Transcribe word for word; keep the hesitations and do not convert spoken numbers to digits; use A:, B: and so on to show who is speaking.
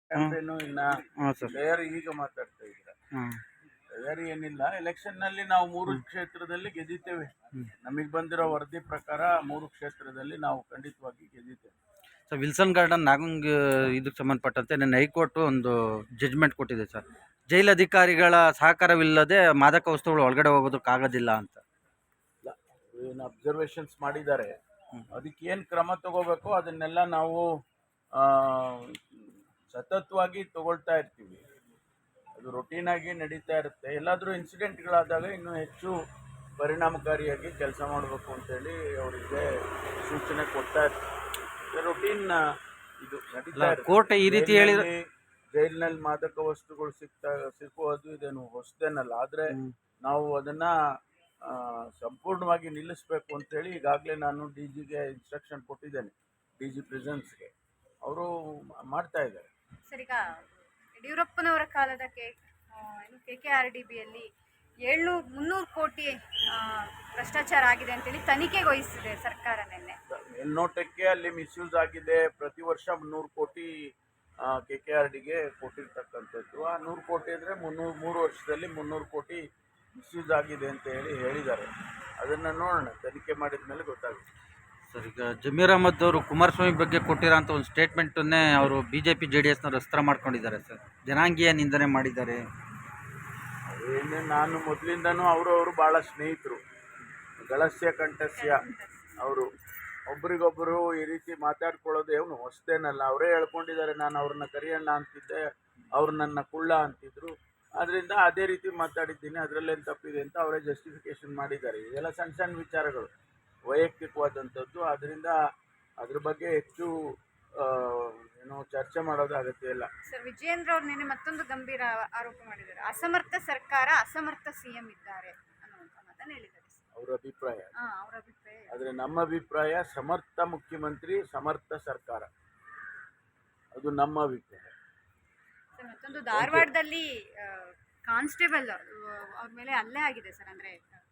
A: Campaign ಇನ್ನ
B: ಹಾಂ sir.
A: ತಯಾರಿ ಈಗ ಮಾತಾಡ್ತಾ ಇದ್ದೀರಾ.
B: ಹಾಂ
A: ತಯಾರಿ ಏನಿಲ್ಲ, ಎಲೆಕ್ಷನ್ ನಲ್ಲಿ ನಾವು ಮೂರು ಕ್ಷೇತ್ರದಲ್ಲಿ ಗೆದ್ದಿದ್ದೇವೆ. ನಮಗೆ ಬಂದಿರೋ ವರದಿ ಪ್ರಕಾರ ಮೂರು ಕ್ಷೇತ್ರದಲ್ಲಿ ನಾವು ಖಂಡಿತವಾಗಿ ಗೆದ್ದಿದ್ದೇವೆ.
B: ಸರ್, ವಿಲ್ಸನ್ ಗಾರ್ಡನ್ ನಾಗಂಗ್ ಇದಕ್ಕೆ ಸಂಬಂಧಪಟ್ಟಂತೆ ನನ್ನ ಹೈಕೋರ್ಟ್ ಒಂದು ಜಡ್ಜ್ಮೆಂಟ್ ಕೊಟ್ಟಿದೆ ಸರ್. ಜೈಲು ಅಧಿಕಾರಿಗಳ ಸಹಕಾರವಿಲ್ಲದೆ ಮಾದಕ ವಸ್ತುಗಳು ಒಳಗಡೆ ಹೋಗೋದಕ್ಕಾಗೋದಿಲ್ಲ ಅಂತ.
A: ಏನು ಅಬ್ಸರ್ವೇಷನ್ಸ್ ಮಾಡಿದ್ದಾರೆ, ಅದಕ್ಕೆ ಏನು ಕ್ರಮ ತಗೋಬೇಕು ಅದನ್ನೆಲ್ಲ ನಾವು ಸತತವಾಗಿ ತಗೊಳ್ತಾ ಇರ್ತೀವಿ. ಅದು ರೊಟೀನ್ ಆಗಿ ನಡೀತಾ ಇರುತ್ತೆ. ಎಲ್ಲಾದರೂ ಇನ್ಸಿಡೆಂಟ್ಗಳಾದಾಗ ಇನ್ನೂ ಹೆಚ್ಚು ಪರಿಣಾಮಕಾರಿಯಾಗಿ ಕೆಲಸ ಮಾಡಬೇಕು ಅಂತೇಳಿ ಅವರಿಗೆ ಸೂಚನೆ ಕೊಡ್ತಾ ಇರ್ತೀವಿ. ರೊಟೀನ್ ಇದು ನಡೀತಾ ಇರುತ್ತೆ.
B: ಕೋರ್ಟ್ ಈ ರೀತಿ ಹೇಳಿದ್ರೆ
A: ಜೈಲಿನಲ್ಲಿ ಮಾದಕ ವಸ್ತುಗಳು ಸಿಗ್ತಾ ಸಿಕ್ಕುವುದು ಇದೇನು ಹೊಸದೇನಲ್ಲ. ಆದರೆ ನಾವು ಅದನ್ನ ಸಂಪೂರ್ಣವಾಗಿ ನಿಲ್ಲಿಸಬೇಕು ಅಂತೇಳಿ ಈಗಾಗಲೇ ನಾನು ಡಿ ಜಿಗೆ ಇನ್ಸ್ಟ್ರಕ್ಷನ್ ಕೊಟ್ಟಿದ್ದೇನೆ, ಡಿ ಜಿ ಪ್ರಿಸನ್ಸ್ಗೆ. ಅವರು ಮಾಡ್ತಾ ಇದ್ದಾರೆ.
C: ಸರ್, ಈಗ ಯಡಿಯೂರಪ್ಪನವರ ಕಾಲದ ಕೆ ಏನು ಕೆ ಕೆ ಆರ್ ಡಿ ಬಿಯಲ್ಲಿ ಏಳ್ನೂರು ಮುನ್ನೂರು ಕೋಟಿ ಭ್ರಷ್ಟಾಚಾರ ಆಗಿದೆ ಅಂತೇಳಿ ತನಿಖೆಗೆ ವಹಿಸಿದೆ ಸರ್ಕಾರ ನಿನ್ನೆ.
A: ಮೇಲ್ನೋಟಕ್ಕೆ ಅಲ್ಲಿ ಮಿಸ್ಯೂಸ್ ಆಗಿದೆ. ಪ್ರತಿ ವರ್ಷ ಮುನ್ನೂರು ಕೋಟಿ ಕೆ ಕೆ ಆರ್ ಡಿಗೆ ಕೊಟ್ಟಿರ್ತಕ್ಕಂಥದ್ದು. ಆ ನೂರು ಕೋಟಿ ಅಂದರೆ ಮುನ್ನೂರು ಮೂರು ವರ್ಷದಲ್ಲಿ ಮುನ್ನೂರು ಕೋಟಿ ಮಿಸ್ಯೂಸ್ ಆಗಿದೆ ಅಂತ ಹೇಳಿ ಹೇಳಿದ್ದಾರೆ. ಅದನ್ನು ನೋಡೋಣ, ತನಿಖೆ ಮಾಡಿದ ಮೇಲೆ ಗೊತ್ತಾಗುತ್ತೆ.
B: ಸರ್, ಈಗ ಜಮೀರ್ ಅಹಮದ್ ಅವರು ಕುಮಾರಸ್ವಾಮಿ ಬಗ್ಗೆ ಕೊಟ್ಟಿರೋಂಥ ಒಂದು ಸ್ಟೇಟ್ಮೆಂಟನ್ನೇ ಅವರು B J P J D ಎಸ್ನವ್ರು ಅಸ್ತ್ರ ಮಾಡ್ಕೊಂಡಿದ್ದಾರೆ ಸರ್. ಜನಾಂಗೀಯ ನಿಂದನೆ ಮಾಡಿದ್ದಾರೆ.
A: ಏನೇ ನಾನು ಮೊದಲಿಂದನೂ ಅವರು ಅವರು ಭಾಳ ಸ್ನೇಹಿತರು, ಗಳಸ್ಯ ಕಂಠಸ್ಯ. ಅವರು ಒಬ್ರಿಗೊಬ್ಬರು ಈ ರೀತಿ ಮಾತಾಡ್ಕೊಳ್ಳೋದು ಏನು ಹೊಸದೇನಲ್ಲ. ಅವರೇ ಹೇಳ್ಕೊಂಡಿದ್ದಾರೆ, ನಾನು ಅವ್ರನ್ನ ಕರಿಯಣ್ಣ ಅಂತಿದ್ದೆ, ಅವ್ರು ನನ್ನ ಕುಳ್ಳ ಅಂತಿದ್ರು. ಆದ್ದರಿಂದ ಅದೇ ರೀತಿ ಮಾತಾಡಿದ್ದೀನಿ, ಅದರಲ್ಲೇನು ತಪ್ಪಿದೆ ಅಂತ ಅವರೇ ಜಸ್ಟಿಫಿಕೇಶನ್ ಮಾಡಿದ್ದಾರೆ. ಇದೆಲ್ಲ ಸಣ್ಣ ಸಣ್ಣ ವಿಚಾರಗಳು, ವೈಯಕ್ತಿಕವಾದಂಥದ್ದು. ಆದ್ದರಿಂದ ಅದ್ರ ಬಗ್ಗೆ ಹೆಚ್ಚು ಏನೋ ಚರ್ಚೆ ಮಾಡೋದು ಅಗತ್ಯ ಇಲ್ಲ.
C: ಸರ್, ವಿಜಯೇಂದ್ರ ಅವ್ರು ನಿನ್ನೆ ಮತ್ತೊಂದು ಗಂಭೀರ ಆರೋಪ ಮಾಡಿದ್ದಾರೆ. ಅಸಮರ್ಥ ಸರ್ಕಾರ, ಅಸಮರ್ಥ ಸಿ ಎಂ ಇದ್ದಾರೆ ಅನ್ನುವಂಥ ಮಾತನ್ನು ಹೇಳಿದ್ದಾರೆ.
A: ಅವರ ಅಭಿಪ್ರಾಯ.
C: ಅವರ ಅಭಿಪ್ರಾಯ.
A: ಆದರೆ ನಮ್ಮ ಅಭಿಪ್ರಾಯ ಸಮರ್ಥ ಮುಖ್ಯಮಂತ್ರಿ, ಸಮರ್ಥ ಸರ್ಕಾರ, ಅದು ನಮ್ಮ ಅಭಿಪ್ರಾಯ.
C: ಸರ್, ಮತ್ತೊಂದು ಧಾರವಾಡದಲ್ಲಿ ಕಾನ್ಸ್ಟೇಬಲ್ ಅವ್ರ ಮೇಲೆ ಹಲ್ಲೆ ಆಗಿದೆ ಸರ್. ಅಂದರೆ